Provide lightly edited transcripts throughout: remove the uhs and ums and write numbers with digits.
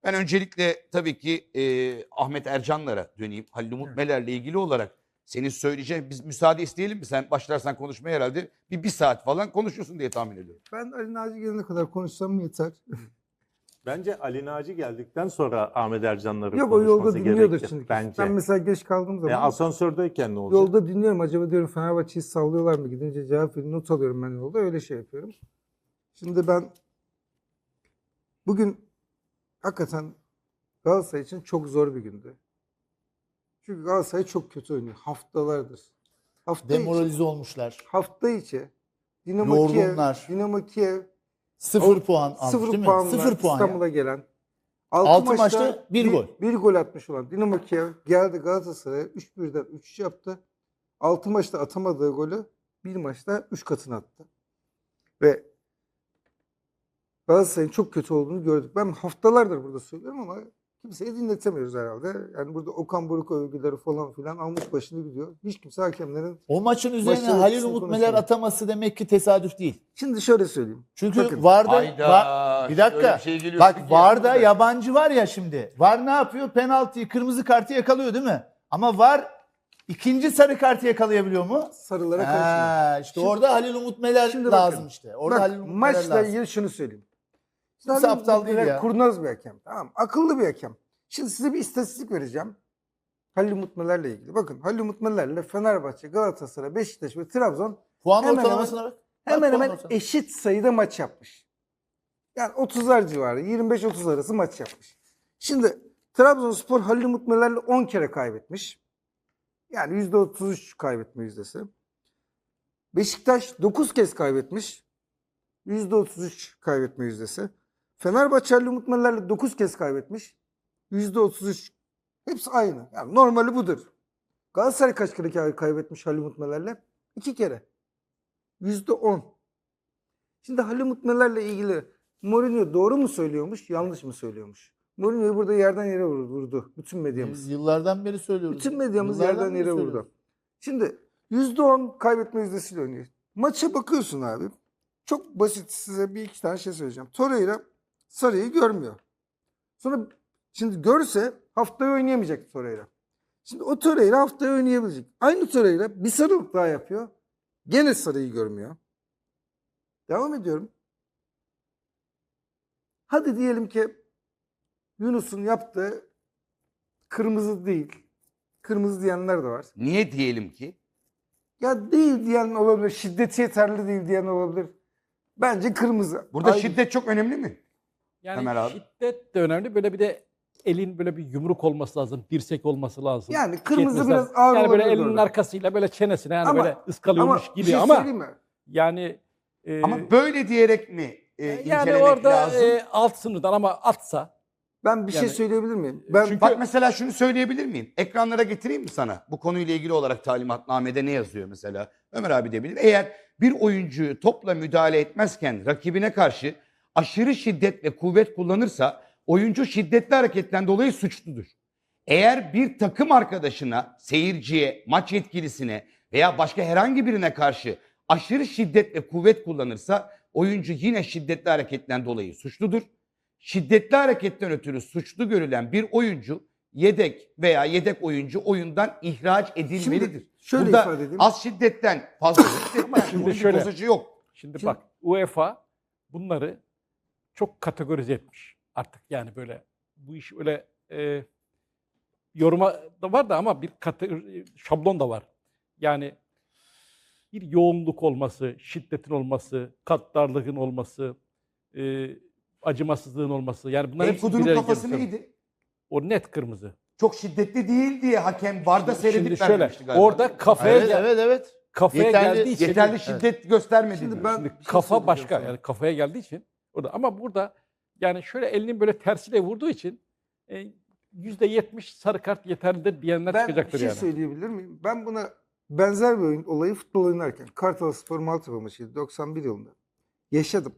Ben öncelikle tabii ki Ahmet Ercanlar'a döneyim. Halil Umut Meler'le ilgili olarak senin söyleyeceğin, biz müsaade isteyelim mi? Sen başlarsan konuşmaya herhalde bir saat falan konuşursun diye tahmin ediyorum. Ben Ali Naci gelene kadar konuşsam yeter. Bence Ali Naci geldikten sonra Ahmet Ercanların Yok, o yolda konuşması dinliyordur gerekir şimdi. bence. Ben mesela geç kaldığım zaman Asansördeyken ne olacak? yolda dinliyorum. Acaba diyorum Fenerbahçe'yi sallıyorlar mı? Gidince cevap veriyorum. Not alıyorum ben yolda. Öyle şey yapıyorum. Şimdi ben bugün hakikaten Galatasaray için çok zor bir gündü. Çünkü Galatasaray çok kötü oynuyor. Haftalardır. Demoralize olmuşlar. Hafta içi Dinamo Kiev, Yorgunlar. Dinamo Kiev 0 puan almış 0 değil mi? puanla 0 puan ya. İstanbul'a gelen. Altı maçta bir gol. Bir gol atmış olan Dinamo Kiev geldi Galatasaray'a 3-1'den 3 yaptı. 6 maçta atamadığı golü bir maçta 3 katını attı. Ve Galatasaray'ın çok kötü olduğunu gördük. Ben haftalardır burada söylüyorum ama kimseye dinletemiyoruz herhalde. Yani burada Okan Buruk övgüleri falan filan almış başını gidiyor. Hiç kimse hakemlerin... O maçın üzerine Maçın Halil etkisini Umut Meler konuşuyor. ataması demek ki tesadüf değil. Şimdi şöyle söyleyeyim. Çünkü Bakın, VAR'da Hayda, bir dakika. öyle bir şey geliyor Bak ki VAR'da ya. yabancı var ya şimdi. VAR ne yapıyor? Penaltıyı, kırmızı kartı yakalıyor değil mi? Ama VAR ikinci sarı kartı yakalayabiliyor mu? sarılara karşı. İşte orada Halil Umut Meler Şimdi lazım bakın. işte. Orada Bak, Halil Umut Meler maçla lazım. ilgili şunu söyleyeyim. Kimse Halil aptal Umut değil Meler ya. Kurnaz bir hakem. Tamam. Akıllı bir hakem. Şimdi size bir istatistik vereceğim. Halil Umut Meler'le ilgili. Bakın Halil Umut Meler'le Fenerbahçe, Galatasaray, Beşiktaş ve Trabzon Puan hemen ortalamasına bak. hemen Bak, puan hemen ortalaması. eşit sayıda maç yapmış. Yani 30'lar civarı, 25-30 arası maç yapmış. Şimdi Trabzonspor Halil Umut Meler'le 10 kere kaybetmiş. Yani %33 kaybetme yüzdesi. Beşiktaş 9 kez kaybetmiş. %33 kaybetme yüzdesi. Fenerbahçe Halil Umut Meler'le 9 kez kaybetmiş. %33. Hepsi aynı. Yani normali budur. Galatasaray kaç kere kaybetmiş Halil Umut Meler'le? 2 kere. %10. Şimdi Halil Umut Meler'le ilgili Mourinho doğru mu söylüyormuş, yanlış mı söylüyormuş? Mourinho'yu burada yerden yere vurdu. Bütün medyamız. Biz yıllardan beri söylüyoruz. Bütün medyamız Yıllardan yerden beri yere söylüyoruz. vurdu. Şimdi %10 kaybetme yüzdesiyle oynuyor. Maça bakıyorsun abi. Çok basit, size bir iki tane şey söyleyeceğim. Torreira Sarı'yı görmüyor. Sonra şimdi görse haftaya oynayamayacak Torreira. Şimdi o Torreira haftaya oynayabilecek. Aynı Torreira bir sarılık daha yapıyor. Gene Sarı'yı görmüyor. Devam ediyorum. Hadi diyelim ki Yunus'un yaptığı kırmızı değil. Kırmızı diyenler de var. Niye diyelim ki? Ya değil diyen olabilir. Şiddeti yeterli değil diyen olabilir. Bence kırmızı. Burada Ayrı. şiddet çok önemli mi? Yani Ömer abi. şiddet de önemli. Böyle bir de elin böyle bir yumruk olması lazım. Dirsek olması lazım. Yani kırmızı Yetmesi biraz lazım. ağır Yani böyle olabilir elinin orada. arkasıyla böyle çenesine yani Ama- böyle ıskalıyormuş bir gibi şey ama söyleyeyim mi? yani Ama böyle diyerek mi yani incelemek orada lazım? alt sınırdan ama atsa Ben bir şey Yani- söyleyebilir miyim? Ben Çünkü- Bak mesela şunu söyleyebilir miyim? Ekranlara getireyim mi sana? Bu konuyla ilgili olarak talimatnamede ne yazıyor mesela? Ömer abi de bilir. Eğer bir oyuncuyu topla müdahale etmezken rakibine karşı aşırı şiddet ve kuvvet kullanırsa oyuncu şiddetli hareketten dolayı suçludur. Eğer bir takım arkadaşına, seyirciye, maç yetkilisine veya başka herhangi birine karşı aşırı şiddet ve kuvvet kullanırsa oyuncu yine şiddetli hareketten dolayı suçludur. Şiddetli hareketten ötürü suçlu görülen bir oyuncu yedek veya yedek oyuncu oyundan ihraç edilmelidir. Şimdi şöyle Burada ifade edeyim. az şiddetten fazla şiddetten şimdi oyuncu şöyle- bozacı yok. şimdi bak UEFA bunları çok kategorize etmiş artık yani böyle bu iş öyle yoruma da var da ama bir şablon da var. Yani bir yoğunluk olması, şiddetin olması, katlarlığın olması, acımasızlığın olması. Yani bunlar hepsi Enkudu'nun birer kafası görsel. neydi? O net kırmızı. Çok şiddetli değil diye hakem VAR'da seyredip Şimdi şöyle vermemişti galiba. orada kafaya Evet. kafaya Yeterli- geldiği için yeterli şiddet göstermedi. Şimdi diyor. ben şimdi bir şey kafa söyleyeceğim başka sana. yani kafaya geldiği için orada ama burada yani şöyle elinin böyle tersiyle vurduğu için %70 sarı kart yeterlidir diyenler Ben bir çıkacaktır şey yani. söyleyebilir miyim? Ben buna benzer bir olayı futbol oynarken Kartalspor Maltepe maçıydı 91 yılında. Yaşadım.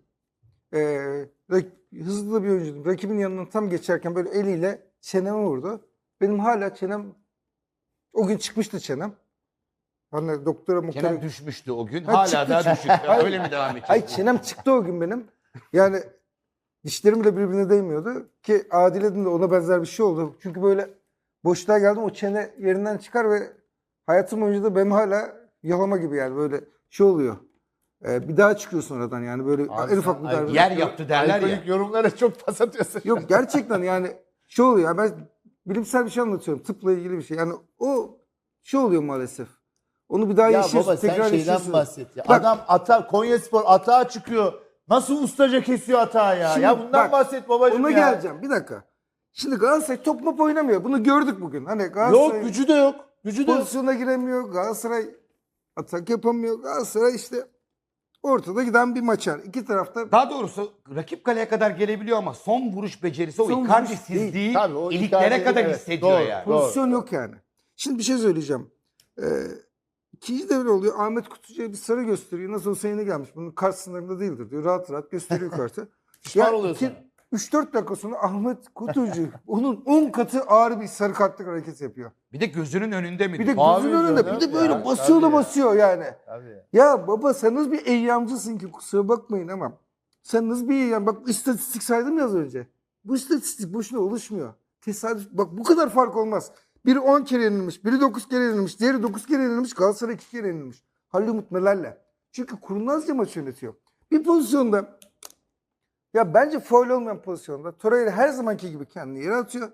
Hızlı da bir oyuncuydum. Rakibin yanından tam geçerken böyle eliyle çeneme vurdu. Benim hala çenem o gün çıkmıştı çenem. Hani doktora Kenan düşmüştü o gün. Ha, Hala çıktı, daha çıktı. düşük. Hayır. Öyle mi devam edecek? Ay çenem çıktı o gün benim. Yani Dişlerim bile birbirine değmiyordu. Ki Adile'de de ona benzer bir şey oldu. Çünkü böyle boşluğa geldim, o çene yerinden çıkar ve hayatım boyunca da benim hala yalama gibi yani böyle şey oluyor. Bir daha çıkıyor sonradan yani böyle Abi en ufak bir sen darbe. Yer yaptı derler ya. Alkolik yorumlara çok pas atıyorsun. Yok gerçekten yani şey oluyor. Yani ben bilimsel bir şey anlatıyorum. Tıpla ilgili bir şey. Yani o şey oluyor maalesef. Onu bir daha Ya yaşıyorsun. baba sen tekrar şeyden yaşıyorsun. bahset ya. Bak- Adam Konyaspor atağa çıkıyor. Nasıl ustaca kesiyor atağı ya? Şimdi Ya bundan bak, bahset babacığım Ona ya. geleceğim. Bir dakika. Şimdi Galatasaray top mop oynamıyor. Bunu gördük bugün. Hani Galatasaray Yok gücü de yok. Gücü de yok. pozisyona giremiyor. Galatasaray atak yapamıyor. Galatasaray işte ortada giden bir maç yani. İki tarafta Daha doğrusu rakip kaleye kadar gelebiliyor ama son vuruş becerisi, o Son vuruş Icardi'sizliği değil. Tabii, o iliklere Icardi- kadar evet, hissediyor doğru. yani. pozisyon yok yani. Şimdi bir şey söyleyeceğim. İkinci devre oluyor. Ahmet Kutucu'ya bir sarı gösteriyor. Nasıl olsa yeni gelmiş. Bunun kart sınırında değildir diyor. Rahat rahat gösteriyor kartı. Pişman oluyorsun. 3-4 dakika sonra Ahmet Kutucu onun 10 katı ağır bir sarı kartlık hareket yapıyor. Bir de gözünün önünde mi? Bir de Mavi gözünün önünde. diyor, Bir değil de mi? böyle Ya, basıyor da tabii. basıyor yani. Tabii. Ya baba sen nasıl bir eyyamcısın ki, kusura bakmayın ama. Sen nasıl bir eyyam? Bak istatistik saydım ya az önce. Bu istatistik boşuna oluşmuyor. Tesadüf. Bak bu kadar fark olmaz. Biri 10 kere yenilmiş, biri 9 kere yenilmiş, diğeri 9 kere yenilmiş, Galatasaray 2 kere yenilmiş. Halil Umut Meler'le. Çünkü kurnazca maç yönetiyor. Bir pozisyonda, ya bence faul olmayan pozisyonda Torreira her zamanki gibi kendini yere atıyor.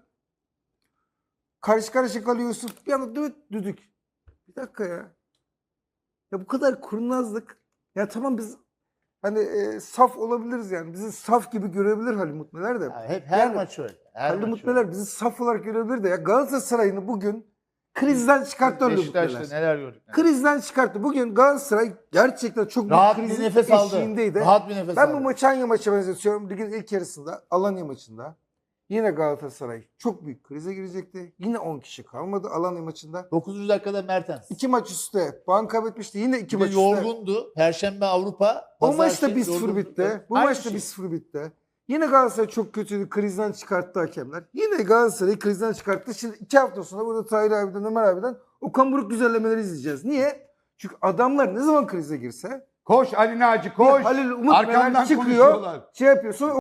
Karşı karşıya kalıyorsun. Bir anda düdük. Bir dakika ya. Ya bu kadar kurnazlık. Ya tamam biz hani saf olabiliriz yani. Bizi saf gibi görebilir Halil Umut Meler de. Ya hep her Yani maç öyle. Her Halil maç Umut öyle. Meler bizi saf olarak görebilir de ya Galatasaray'ını bugün krizden çıkarttı Halil Umut Beşiktaş'ta Meler. neler gördük. Krizden çıkarttı. Bugün Galatasaray gerçekten çok Rahat büyük bir krizin nefes aldı. eşiğindeydi. Rahat bir nefes Ben aldı. bu maçı hangi maça benzetiyorum? Ligin ilk yarısında Alanya maçında. Yine Galatasaray çok büyük krize girecekti. Yine 10 kişi kalmadı Alanya maçında. 9. dakikada Mertens. 2 maç üstte puan kaybetmişti. Yine 2 Bir de maç üstte. yorgundu. Perşembe Avrupa. O Pazar maçta şey, 1-0 yorgunluk. bitti. Bu Aynı maçta şey. 1-0 bitti. Yine Galatasaray çok kötüydü. Krizden çıkarttı hakemler. Yine Galatasaray'ı krizden çıkarttı. Şimdi 2 hafta sonra burada Tahir abiden, Ömer abiden Okan Buruk güzellemeleri izleyeceğiz. Niye? Çünkü adamlar ne zaman krize girse Koş Ali Naci koş. Halil Umut Arkamdan Meler çıkıyor. konuşuyorlar. Şey yapıyor. Sonra